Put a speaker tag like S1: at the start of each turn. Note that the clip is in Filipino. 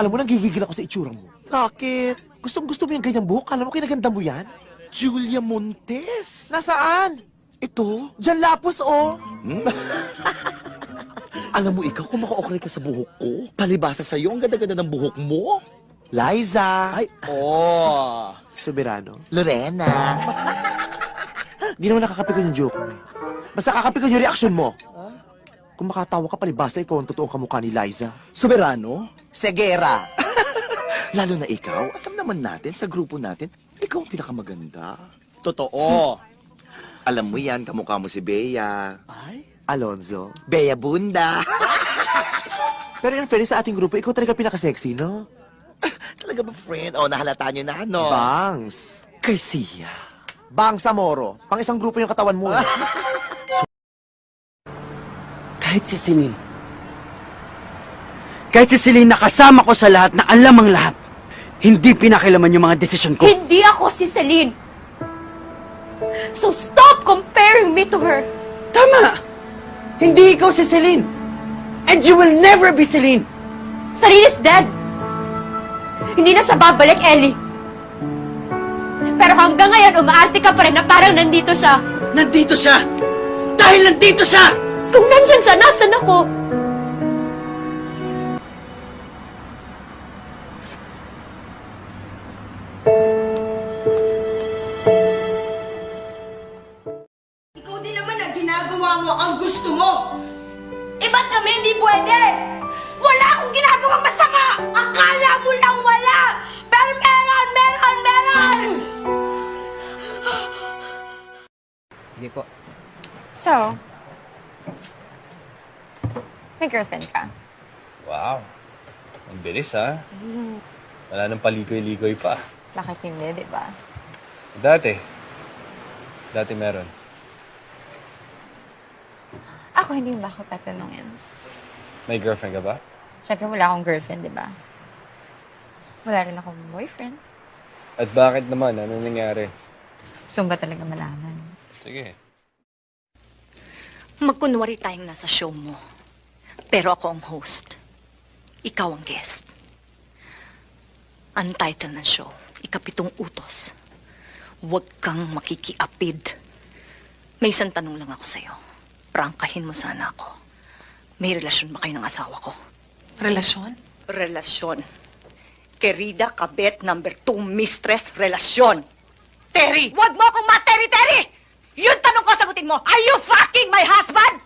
S1: Alam mo, nanggigigil ako sa itsura mo.
S2: Bakit?
S1: Gustong-gusto mo yung ganyang buhok? Alam mo, kinaganda mo yan?
S2: Julia Montes.
S1: Nasaan?
S2: Ito?
S1: Diyan lapos, oh.
S2: Alam mo ikaw, kung maka-okray ka sa buhok ko, palibasa sa'yo, ang ganda-ganda ng buhok mo.
S1: Liza.
S2: Ay, oh.
S1: Soberano.
S2: Lorena.
S1: Di naman nakakapikon yung joke mo. Basta kakapikon yung reaksyon mo. Kung makatawa ka, palibasa ikaw ang totoong kamukha ni Liza.
S2: Soberano?
S1: Segera.
S2: Lalo na ikaw, alam naman natin, sa grupo natin, ikaw ang pinakamaganda. Totoo. Alam mo yan, kamukha mo si Bea.
S1: Ay? Alonzo.
S2: Bea Bunda.
S1: Pero in fairness sa ating grupo, ikaw talaga pinaka-sexy, no?
S2: Talaga ba, friend? O, nahalata nyo na, no?
S1: Bangs.
S2: Garcia.
S1: Bang Samoro. Pang isang grupo yung katawan mo. Eh.
S3: Kahit si Celine. Kahit si Celine nakasama ko sa lahat na alam ang lahat. Hindi pinakilaman yung mga desisyon ko.
S4: Hindi ako si Celine. So stop comparing me to her.
S3: Tama! Hindi ikaw si Celine. And you will never be Celine.
S4: Celine is dead. Hindi na siya babalik, Ellie. Pero hanggang ngayon, umaarte ka pa rin na parang nandito siya.
S3: Nandito siya! Dahil nandito siya!
S4: Kung nandyan siya, nasan ako?
S5: Ikaw din naman na ginagawa mo ang gusto mo. Eh ba't kami hindi pwede? Wala akong ginagawang masama! Akala mo lang wala! Pero meron! Meron! Meron!
S6: Sige po.
S4: So, may girlfriend ka?
S7: Wow. Ang bilis, ha? Wala nang paligoy-ligoy pa.
S4: Bakit hindi, di ba?
S7: Dati meron.
S4: Ako, hindi mo ba ako tatanungin?
S7: May girlfriend ka ba?
S4: Siyempre, wala akong girlfriend, di ba? Wala rin akong boyfriend.
S7: At bakit naman? Ano nangyari?
S4: Gusto mo ba talaga malaman?
S7: Sige.
S8: Magkunwari tayong nasa show mo. Pero ako ang host. Ikaw ang guest. Ang title ng show, Ikapitong Utos. Huwag kang makikiapid. May isang tanong lang ako sa'yo. Prangkahin mo sana ako. May relasyon ba kayo ng asawa ko?
S5: Relasyon?
S8: Relasyon. Querida kabet number 2 mistress, relasyon. Terry! Huwag mo akong ma-Terry! Yun tanong ko, sagutin mo. Are you fucking my husband?